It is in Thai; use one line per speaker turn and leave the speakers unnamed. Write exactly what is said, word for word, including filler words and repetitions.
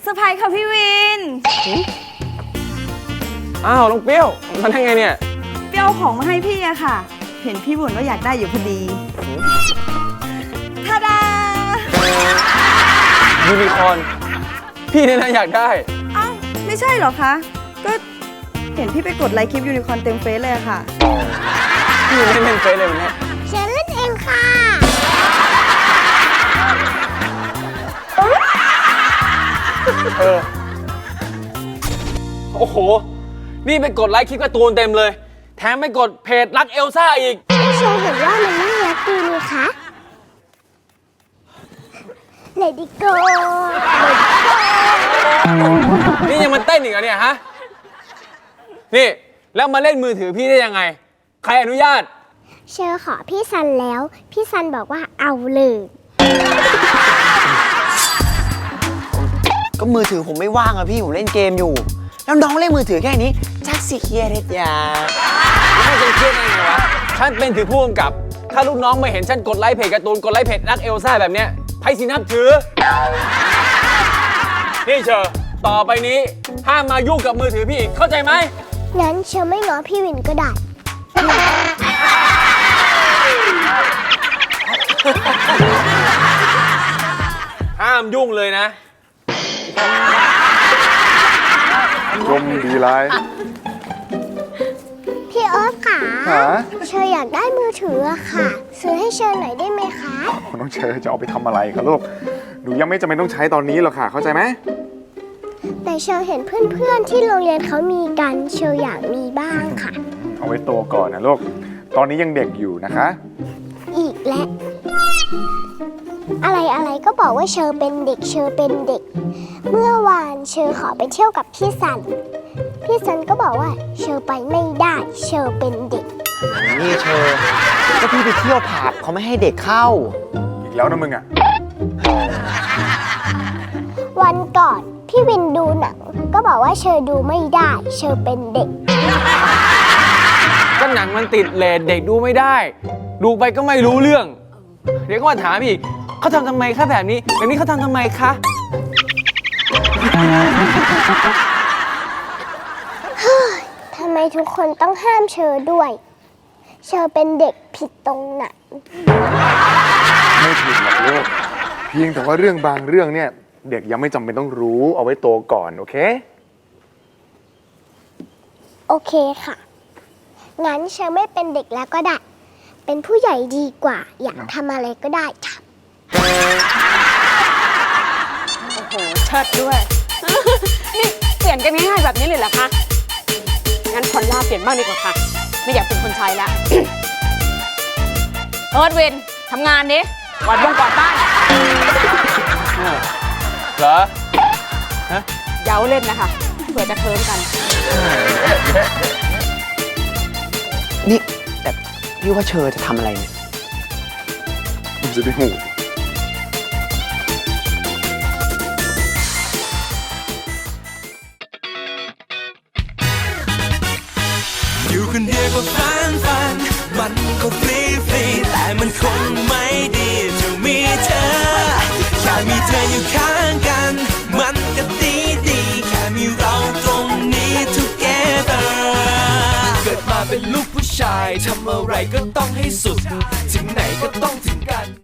อร์ไพรส์ค่ะพี่วิน
อ้าวน้องเปรี้ยวมาได้ไงเนี่ย
เปรี้ยวของมาให้พี่อะค่ะ เห็นพี่บ่นว่าอยากได้อยู่พอดีทาดา
ยูนิคอร์นพี่เนี่ยนะอยากได้
อ้าวไม่ใช่เหรอคะก็เห็นพี่ไปกดไลค์คลิปยูนิคอร์นเต็มเฟซเลยอะค่ะ
พี่เล่นเล่นเฟซเลยวันนี้
ฉันเล่นเองค่ะ
เออโอ้โหนี่ไปกดไลค์คลิปการ์ตูนเต็มเลยแถมไปกดเพจรักเอลซ่าอีก
เชอเห็นว่ามันน่ารักดีนี่คะเลดี้โก
นี่ยังมันเต้นอีกเหรอเนี่ยฮะนี่แล้วมาเล่นมือถือพี่ได้ยังไงใครอนุญาต
เชอขอพี่ซันแล้วพี่ซันบอกว่าเอาเลย
ก็มือถือผมไม่ว่างอะพี่ผมเล่นเกมอยู่แล้วน้องเล่นมือถือแค่นี้ชักสิเครียดเลยจ้า
ไม่จะเครียดได้ไงวะฉันเป็นถือผู้กำกับถ้าลูกน้องไม่เห็นฉันกดไลค์เพจการ์ตูนกดไลค์เพจรักเอลซ่าแบบเนี้ยไพ่สินับถือนี่เชอต่อไปนี้ห้ามมายุ่งกับมือถือพี่อีกเข้าใจไหม
งั้นเชอไม่ง้อพี่วินก็ได้
ห้ามยุ่งเลยนะ
ชมดีไร
พี่เอิร์ธค่ะเชออยากได้มือถืออะค่ะซื้อให้เชอหน่อยได้ไหมคะ
น้องเชอจะเอาไปทำอะไรคะลูกหนูยังไม่จำเป็นต้องใช้ตอนนี้หรอกค่ะเข้าใจไหม
แต่เชอเห็นเพื่อนๆที่โรงเรียนเขามีกันเชออยากมีบ้างค่ะ
เอาไว้โตก่อนนะลูกตอนนี้ยังเด็กอยู่นะคะ
อีกแล้วอะไรอะไรก็บอกว่าเชอเป็นเด็กเชอเป็นเด็กเมื่อวานเชอขอไปเที่ยวกับพี่ซันพี่ซันก็บอกว่าเชอไปไม่ได้เชอเป็นเด็ก
นี่เชอก็พี่ไปเที่ยวผับเขาไม่ให้เด็กเข้า
อีกแล้วนะมึงอ่ะ
วันก่อนพี่วินดูหนังก็บอกว่าเชอดูไม่ได้เชอเป็นเด็ก
ก็หนังมันติดเรทเด็กดูไม่ได้ดูไปก็ไม่รู้เรื่องเดี๋ยวก็มาถามอีกเขาทำทำไมคะแบบนี้แบบนี้เขาทำทำไมคะ
ทำไมทุกคนต้องห้ามเชอด้วยเชอเป็นเด็กผิดตรงไหน
ไม่ผิดหรอกลูกเพียงแต่ว่าเรื่องบางเรื่องเนี่ยเด็กยังไม่จำเป็นต้องรู้เอาไว้โตก่อนโอเค
โอเคค่ะงั้นเชอไม่เป็นเด็กแล้วก็ได้เป็นผู้ใหญ่ดีกว่าอยากทำอะไรก็ได้ค่ะ
โอ้โหเชิดด้วยนี่เปลี่ยนกันง่ายๆแบบนี้เลยเหรอคะงั้นพอลล่าเปลี่ยนบ้างดีกว่าค่ะไม่อยากเป็นคนใช้แล้วเอิร์ธวินทำงานดิกวาดบ้านกวาดบ้าน
เหรอฮะ
เย้าเล่นนะคะเผื่อจะเคิร์มกัน
นี่แต่พี่ว่าเชอจะทำอะไรเนี่ย
มันจะได้หู
อยู่คนเดียวก็ฟันฟันมันก็ฟรีฟรีแต่มันคงไม่ดีจะมีเธอแค่มีเธออยู่ข้างกันมันก็ดีดีแค่มีเราตรงนี้ together เกิดมาเป็นลูกผู้ชายทำอะไรก็ต้องให้สุดถึงไหนก็ต้อง